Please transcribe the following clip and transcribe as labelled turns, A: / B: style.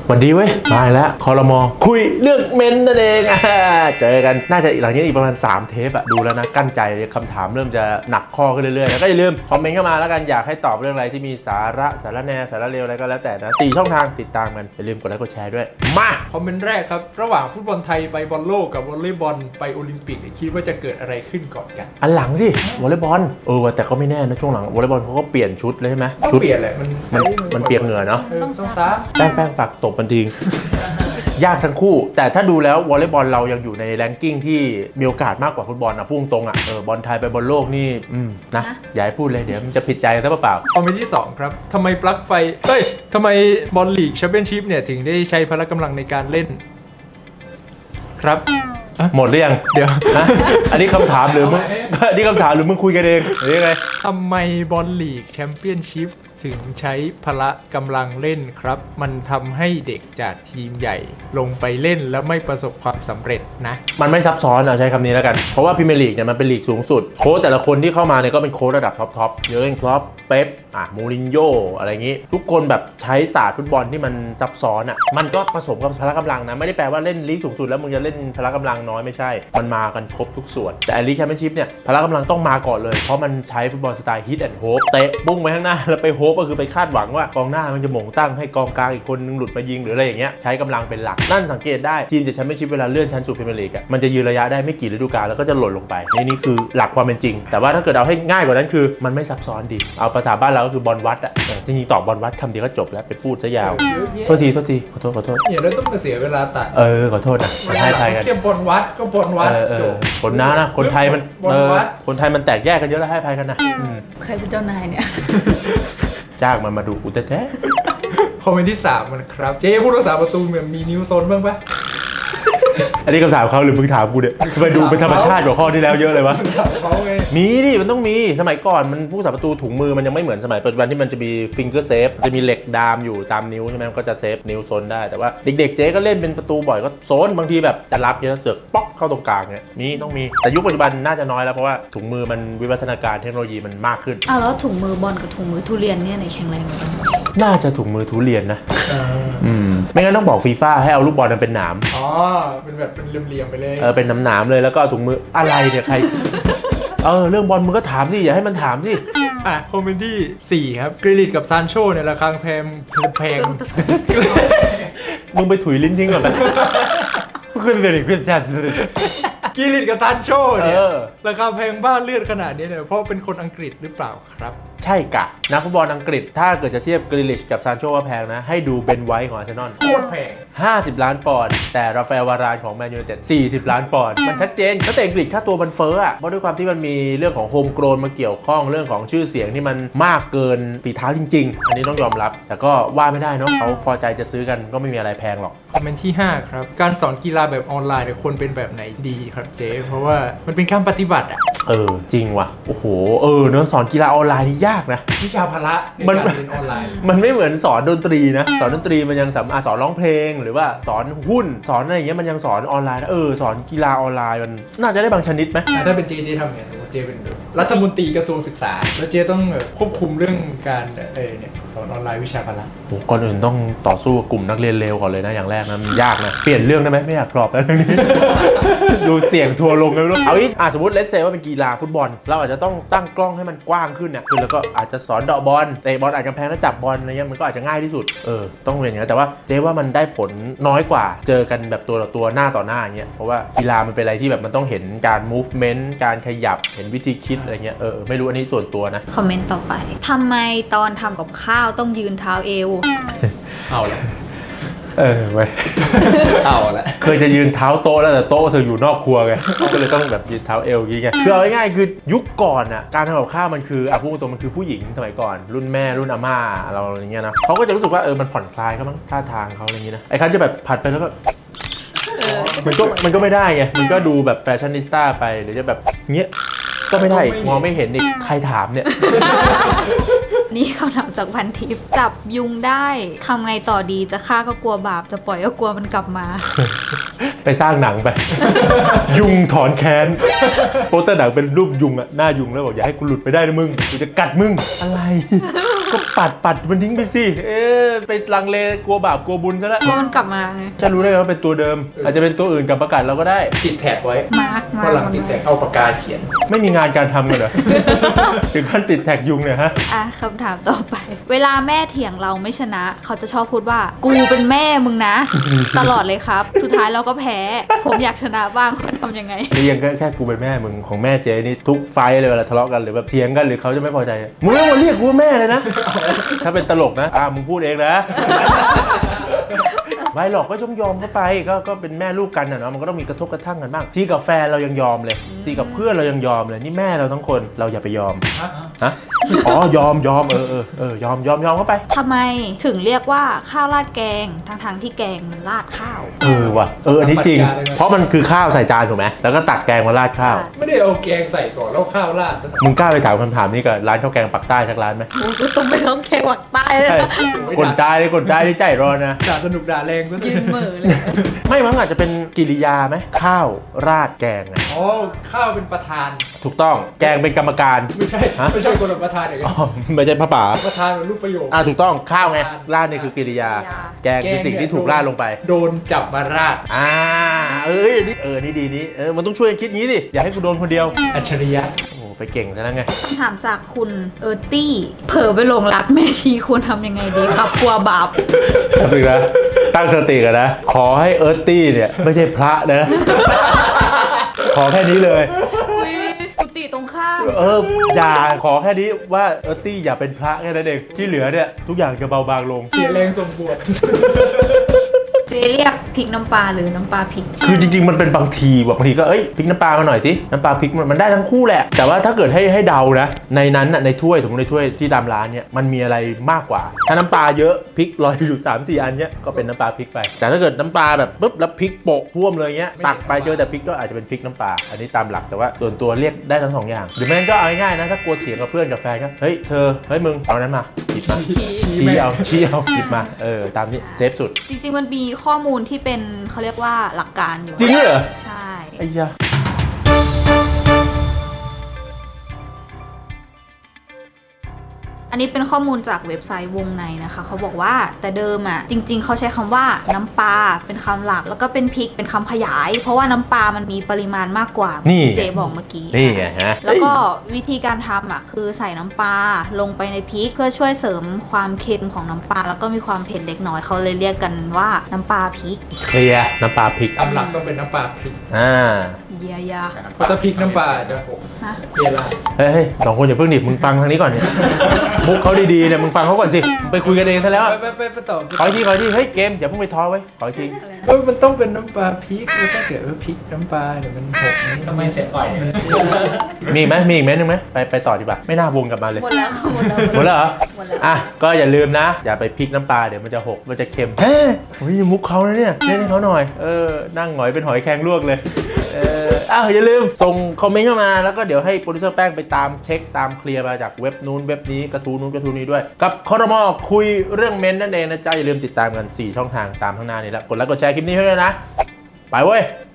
A: วันดีเว้ยมาแล้วคอรมอคุยเรื่องเมนนั่นเองเจอกันน่าจะหลังนี้อีกประมาณ3เทปอะดูแล้วนะกั้นใจคำถามเริ่มจะหนักข้อขึ้นเรื่อยๆแล้วก็อย่าลืมคอมเมนต์เข้ามาแล้วกันอยากให้ตอบเรื่องอะไรที่มีสาระสาระแนสาระเลวอะไรก็แล้วแต่นะ4ช่องทางติดตามกันอย่าลืมกดไลค์กดแชร์ด้วยมา
B: คอมเมนต์แรกครับระหว่างฟุตบอลไทยไปบอลโลกกับวอลเลย์บอลไปโอลิมปิกคิดว่าจะเกิดอะไรขึ้นก่อนกัน
A: อันหลังสิวอลเลย์บอลแต่ก็ไม่แน่นะช่วงหลังวอลเลย์บอลเขาก็เปลี่ยนชุดเลยใช่ไหม
B: ชุดเปลี่ยนแหละ
A: มันเปียกเหงื่อเนาะ
B: ต้องซัก
A: แป้งฝากตบมันทิ้งยากทั้งคู่แต่ถ้าดูแล้ววอลเลย์บอลเรายังอยู่ในแรงกิ้งที่มีโอกาสมากกว่าฟุตบอลนะพุ่งตรงอ่ะบอลไทยไปบอลโลกนี่นะอย่าให้พูดเลยเดี๋ยวมันจะผิดใจซะเปล่า
B: คอมเมนต์ที่2ครับทำไมปลั๊กไฟทำไมบอลลีกแชมเปี้ยนชิพเนี่ยถึงได้ใช้พละกำลังในการเล่นครับ
A: หมดหรือยัง
B: เดี๋ยว
A: อันนี้คำถามหรือมึงอันนี้คำถามหรือมึงคุยกันเองหรือยังไง
B: ทำไมบอลลีกแชมเปี้ยนชิพถึงใช้พละกำลังเล่นครับมันทำให้เด็กจากทีมใหญ่ลงไปเล่นแล้วไม่ประสบความสำเร็จนะ
A: มันไม่ซับซ้อนใช้คำนี้แล้วกันเพราะว่าพรีเมียร์ลีกเนี่ยมันเป็นลีกสูงสุดโค้ชแต่ละคนที่เข้ามาเนี่ยก็เป็นโค้ชระดับท็อปเยอร์เกน คล็อปเป๊ปมูรินโญ่อะไรอย่างงี้ทุกคนแบบใช้ศาสตร์ฟุตบอลที่มันซับซ้อนมันก็ผสมกับพละกำลังนะไม่ได้แปลว่าเล่นลีกสูงสุดแล้วมึงจะเล่นพละกำลังน้อยไม่ใช่มันมากันครบทุกส่วนแต่ลีกแชมเปี้ยนชิพเนี่ยพละกำลังต้องมาก่อนเลยเพราะมันใช้ฟุตบอลสไตล์ฮิตแอนด์โฮปเตะปุ้งไปข้างหน้าแล้วไปโฮปก็คือไปคาดหวังว่ากองหน้ามันจะหม่งตั้งให้กองกลางอีกคนนึงหลุดมายิงหรืออะไรอย่างเงี้ยใช้กำลังเป็นหลักนั่นสังเกตได้ทีมจากแชมเปี้ยนชิพเวลาเลื่อนชั้นสู่พรีเมียร์ลีกมันจะยืนระยะได้ไม่กี่ฤดูกาลแล้วก็จะหล่นลงไปนี่คือหลักความเป็นจริงแต่ว่าถ้าเกิดเอาให้ง่ายกว่านั้นคือมันไม่ซับซ้อนดีเอาภาษาบ้านเราก็คือบอลวัดจริงๆตอบบอลวัดคำเดียวก็จบแล้วไปพูดซะยาวโทษทีขอโทษ
B: เนี่ยเราต้องมาเสียเวลาตัด
A: ขอโทษนะให้ไทยกัน
B: เทียบบอลวัดก็บอลวัดจบ
A: คนนะคนไทยมันคนไทยมันแตกแยกกันเยอะแล้วให้ไทยกันนะ
C: ใครเป็นเจ้านายเนี่ย
A: จ้างมันมาดูกูแท้
B: คอมเมนต์ที่3มันครับเจ๊ผู้รักษาประตูมีนิ้วโซนบ้างปะ
A: อันนี้คำถามเขาหรือมึงถามกูเนี่ยไปดูเป็นธรรมชาติกว่าข้อที่แล้วเยอะเลยวะมีดิมันต้องมีสมัยก่อนมันผู้สาประตูถุงมือมันยังไม่เหมือนสมัยปัจจุบันที่มันจะมีฟิงเกอร์เซฟจะมีเหล็กดามอยู่ตามนิ้วใช่ไหมมันก็จะเซฟนิ้วโซนได้แต่ว่าเด็กๆเจ๊ก็เล่นเป็นประตูบ่อยก็โซนบางทีแบบจะรับเนี่ยเสือกป๊อกเข้าตรงกลางเนี่ยนี่ต้องมีแต่ยุคปัจจุบันน่าจะน้อยแล้วเพราะว่าถุงมือมันวิวัฒนาการเทคโนโลยีมันมากขึ้น
C: แล้วถุงมือบอลกับถุงมือทุเรียนเนี่ยไหนแข็งแรงกว่ากัน
A: น่าจะถุงมือทุเรียนนะไม่งั้นต้องบอกฟีฟ่าให้เอาลูกบอลนั้นเป็นหนาม
B: เป็นแบบเป็นเหลี่ยมๆไปเลย
A: เป็นหนามๆเลยแล้วก็ถุงมืออะไรเนี่ยใครเรื่องบอลมึงก็ถามสิอย่าให้มันถามสิ
B: คอมเมนต์ที่4ครับกริลิตกับซานโชเนี่ยราคาแพง
A: มึงไปถุยลิ้นทิ้งก่อนไปขึ้นเลยดิขึ้นแท้
B: กริลิตกับซานโชเนี่ยราคาแพงบ้าเลือดขนาดนี้เนี่ยเพราะเป็นคนอังกฤษหรือเปล่าครับ
A: ใช่กะนักฟุตบอลอังกฤษถ้าเกิดจะเทียบกริลิชกับซานโชว่าแพงนะให้ดูเบนไวท์ของอาร์เซนอล
B: โคตรแพง
A: 50 ล้านปอนด์แต่ราฟาเอล วารานของแมนยูไนเต็ด40 ล้านปอนด์มันชัดเจนนักเตะอังกฤษค่าตัวมันเฟ้อเพราะด้วยความที่มันมีเรื่องของโฮมโกรนมาเกี่ยวข้องเรื่องของชื่อเสียงที่มันมากเกินฝีเท้าจริงๆอันนี้ต้องยอมรับแต่ก็ว่าไม่ได้เนาะเขาพอใจจะซื้อกันก็ไม่มีอะไรแพงหรอก
B: คอมเมนต์ที่5ครับการสอนกีฬาแบบออนไลน์เนี่ยควรเป็นแบบไหนดีครับเจ๊เพราะว่ามันเป็นการปฏิบัติ
A: จริงว่ะโอ้โหเนอะสอนกีฬาออนไลน์นี่ยากนะ
B: วิชาพละในการเรียนออนไลน์
A: มันไม่เหมือนสอนดนตรีนะสอนดนตรีมันยังสอนร้องเพลงหรือว่าสอนหุ้นสอนอะไรอย่างเงี้ยมันยังสอนออนไลน์นะสอนกีฬาออนไลน์มันน่าจะได้บางชนิดไหม
B: ถ้าเป็นเจทำไงเจเป็นรัฐมนตรีกระทรวงศึกษาแล้วเจต้องควบคุมเรื่องการเนี่ยสอนออนไลน์วิชาพละ
A: ก่อนอื่นต้องต่อสู้กับกลุ่มนักเรียนเลวก่อนเลยนะอย่างแรกนะมันยากนะเปลี่ยนเรื่องได้ไหมไม่อยากกรอบแล้วเรื่องนี้ ดูเสียงทัวลงเลยเอาอีกสมมติเลสเซว่าเป็นกีฬาฟุตบอลเราอาจจะต้องตั้งกล้องให้มันกว้างขึ้นเนี่ยคือแล้วก็อาจจะสอนเดาะบอลเตะบอลอาจจะแพงแล้วจับบอลอะไรเงี้ยมันก็อาจจะง่ายที่สุดต้องเรียนอย่างนี้แต่ว่าเจ๊ว่ามันได้ผลน้อยกว่าเจอกันแบบตัวต่อตัวหน้าต่อหน้าอย่างเงี้ยเพราะว่ากีฬามันเป็นอะไรที่แบบมันต้องเห็นการ movement การขยับเห็นวิธีคิดอะไรเงี้ยไม่รู้อันนี้ส่วนตัวนะ
C: คอมเมนต์ต่อไปทำไมตอนทำกับข้าวต้องยืนเท้าเอว
B: เอาละ
A: ไว้
B: เอาละ
A: เคยจะยืนเท้าโต๊ะแล้วแต่โต๊ะจะอยู่นอกครัวไงก็เลยต้องแบบยืนเท้าเอวอย่างเงี้ยคือเอาง่ายๆคือยุคก่อนการทำกับข้าวมันคือพูดตรงมันคือผู้หญิงสมัยก่อนรุ่นแม่รุ่นอาม่าเราอย่างเงี้ยนะเขาก็จะรู้สึกว่ามันผ่อนคลายเขามั้งท่าทางเขาอะไรอย่างเงี้ยนะไอ้คันจะแบบผัดไปแล้วก็มันก็ไม่ได้ไงมันก็ดูแบบแฟชั่นนิสต้าไปหรือจะแบบเงี้ยก็ไม่ได้มองไม่เห็นอีกใครถามเนี่ย
C: นี่คำถามจากพันทิปจับยุงได้ทำไงต่อดีจะฆ่าก็กลัวบาปจะปล่อยก็กลัวมันกลับมา
A: ไปสร้างหนังไป ยุงถอนแค้นโปสเตอร์หนังเป็นรูปยุงอะหน้ายุงแล้วบอกอย่าให้กูหลุดไปได้นะมึงกูจะกัดมึงอะไร ก็ปัดมันทิ้งไปสิไปลังเลกลัวบาปกลัวบุญซะแล้ว
C: กลัวมันกลับมาไง
A: จะรู้ได้ไงว่าเป็นตัวเดิม อาจจะเป็นตัวอื่นกับประกาศเราก็ได้
B: ติดแท็กไว้
C: มาร์ก
B: ก็หลังติดแท็กเอาปากกาเขียน
A: ไม่มีงานการทำกันเหรอ ถึงขั้นติดแท็กยุงเนี่ยฮะ
C: อ่ะคำถามต่อไป เวลาแม่เถียงเราไม่ชนะ เขาจะชอบพูดว่า กูเป็นแม่มึงนะ ตลอดเลยครับ สุดท้ายเราก็แพ้ ผมอยากชนะบ้างควรทำยังไง
A: เรียงก็แค่กูเป็นแม่มึงของแม่เจนี่ทุกไฟท์เลยเวลาทะเลาะกันหรือแบบเถียงกันหรือเขาจะไม่พอใจมึงไม่มาเรียกกูว่าแม่เลยนะ ถ้าเป็นตลกนะมึงพูดเองนะ ไม่หรอกก็ต้องยอมเข้าไปก็เป็นแม่ลูกกันนะเนาะมันก็ต้องมีกระทบกระทั่งกันบ้างที่กับแฟนเรายังยอมเลยที่กับเพื่อนเรายังยอมเลยนี่แม่เราทั้งคนเราอย่าไปยอมฮะอ๋อยอมยอมเข้าไป
C: ทำไมถึงเรียกว่าข้าวราดแกงทั้งที่แกงมันราดข้าว
A: ว่ะอันนี้จริง เพราะมันคือข้าวใส่จานถูกไหมแล้วก็ตักแกงมาราดข้าว
B: ไม่ได้เอาแกงใส่ก่อนแล้วข้าวราดซะหน่อย
A: มึงกล้าไปถามคำถามนี้กับร้านข้าวแกงปักใต้สักร้านไหม
C: โอ้ยต้องไปร้องแกงหวักใต้เลย
A: ใช่
C: นะ
A: คนใต้เลยคนใต้ที่ใจร้อนนะ
B: ด่าสนุกด่าแรงก็
C: ยืนเหม่อเลย
A: ไม่มั้งอาจจะเป็นกิริยาไหมข้าวราดแกงไง
B: อ๋อข้าวเป็นประธาน
A: ถูกต้องแกงเป็นกรรมการ
B: ไม่ใช่
A: ฮะ
B: ไม่ใช่คนละประธานอย่าง
A: อ๋
B: นั้
A: อน ไม่ใช่พระป่า
B: ประธานเป็นรูปประโยค
A: ถูกต้องข้าวไงราดนี่คือกิริยา แกงคือสิ่งที่ถูกราดลงไป
B: โดนจับมาราด
A: นี่ดีนี้มันต้องช่วยกันคิดงี้ดิอย่าให้กูโดนคนเดียว
B: อัจฉริยะ
A: โอ้ไปเก่งซะแล้วไง
C: คำถามจากคุณเออร์ตี้เผลอไปหลงรักแม่ชีควรทำยังไงดีครับกลัวบาป
A: ถึงนะตั้งสติกันนะ ขอให้เอิร์ตตี้เนี่ยไม่ใช่พระนะ ขอแค่นี้เลย
C: กุฏิตรงข้าม
A: อย่าขอแค่นี้ว่าเอิร์ตตี้อย่าเป็นพระแค่นั้นเองที่เหลือเนี่ยทุกอย่างจะเบาบางลง
B: เสียแรงส่งบวช
C: เจเรียกพริกน้ำปลาหรือน้ำปลาพริก
A: คือจริงๆมันเป็นบางทีแบบบางทีก็พริกน้ำปลามาหน่อยสิน้ำปลาพริกมันได้ทั้งคู่แหละแต่ว่าถ้าเกิดให้เดานะในนั้นน่ะในถ้วยสมมติในถ้วยที่ตามร้านเนี่ยมันมีอะไรมากกว่าถ้าน้ำปลาเยอะพริกลอยอยู่ 3-4 อันเนี้ยก็เป็นน้ำปลาพริกไปแต่ถ้าเกิดน้ำปลาแบบปุ๊บแล้วพริกโปะท่วมเลยเงี้ยตักไปเจอแต่พริกก็อาจจะเป็นพริกน้ำปลาอันนี้ตามหลักแต่ว่าส่วนตัวเรียกได้ทั้งสองอย่างหรือไม่งั้นก็เอาง่ายๆนะถ้ากลัวเถียงกับเพื่อนกับแฟนก็เฮ้ยเธอเฮ้ยมึงเอานั้นมาหยิบมาชี้เอาหยิบมาตามนี้เซฟสุด
C: จริงๆมันมีข้อมูลที่เป็นเขาเรียกว่าหลักการอยู่
A: จริงด้วยเหรอ
C: ใช่
A: ไอ้ยา
C: อันนี้เป็นข้อมูลจากเว็บไซต์วงในนะคะเขาบอกว่าแต่เดิมอ่ะจริง ๆเขาใช้คำว่าน้ำปลาเป็นคำหลักแล้วก็เป็นพริกเป็นคำขยาย เพราะว่าน้ำปลามันมีปริมาณมากกว่า
A: นี่
C: เจบอกเมื่อกี้
A: นี่ไงฮะ
C: แล้วก็วิธีการทำอ่ะคือใส่น้ำปลาลงไปในพริกเพื่อช่วยเสริมความเค็มของน้ำปลาแล้วก็มีความเผ็ดเล็กน้อยเขาเลยเรียกกันว่าน้ำปลาพริก
A: เคลียร์น้ำปลาพริก
B: ตามหลักต้องเป็นน้ำปลาพริก
C: เยียยา
B: เพราะถ้าพริกน้ำปลาจะหก
C: ฮะ
B: เยลา
A: เฮ้ยสองคนอย่าเพิ่งดิมึงฟังทางนี้ก่อนเนี่ย มุกเขาดีๆเนี่ยมึงฟังเขาก่อนสิไปคุยกันเองซะแล้วอะ
B: ไปต่อ
A: ขออีกทีเฮ้ยเกมอย่าเพิ่งไปท้อไว้ขออีกที
B: มันต้องเป็นน้ำปลาพริกแล้วถ้าเกิดว่าพริกน้ำปลาเดี๋ยวมันหกนี่
D: ทำไมเสียอ่อยเนี่ย
A: มีไหมมีอีกไหมนึงไหมไปต่อดีกว่าไม่น่าวงกลับมาเลย
C: หมดแล้วค่ะหมดแล้ว
A: หมดแล้วเหรอ
C: หมดแล้ว
A: อ่ะก็อย่าลืมนะ อย่าไปพริกน้ำปลาเดี๋ยวมันจะหกมันจะเค็มเฮ้ยมุกเขานะเนี่ยเล่นให้เขาหน่อยนั่งหงอยเป็นหอยแครงลวกเลยอย่าลืมส่งคอมเมนต์เข้ามาแล้วก็เดี๋ยวให้โปรดิวเซอร์แป้งไปตามเช็คตามเคลียร์มาจากเว็บนู้นเว็บนี้กระทู้นู้นกระทู้นี้ด้วยกับคอรมอคุยเรื่องเมนนั่นเองนะจ๊ะอย่าลืมติดตามกัน4ช่องทางตามข้างหน้านี้แล้วกดไลค์กดแชร์คลิปนี้ให้ด้วยนะไปเว้ย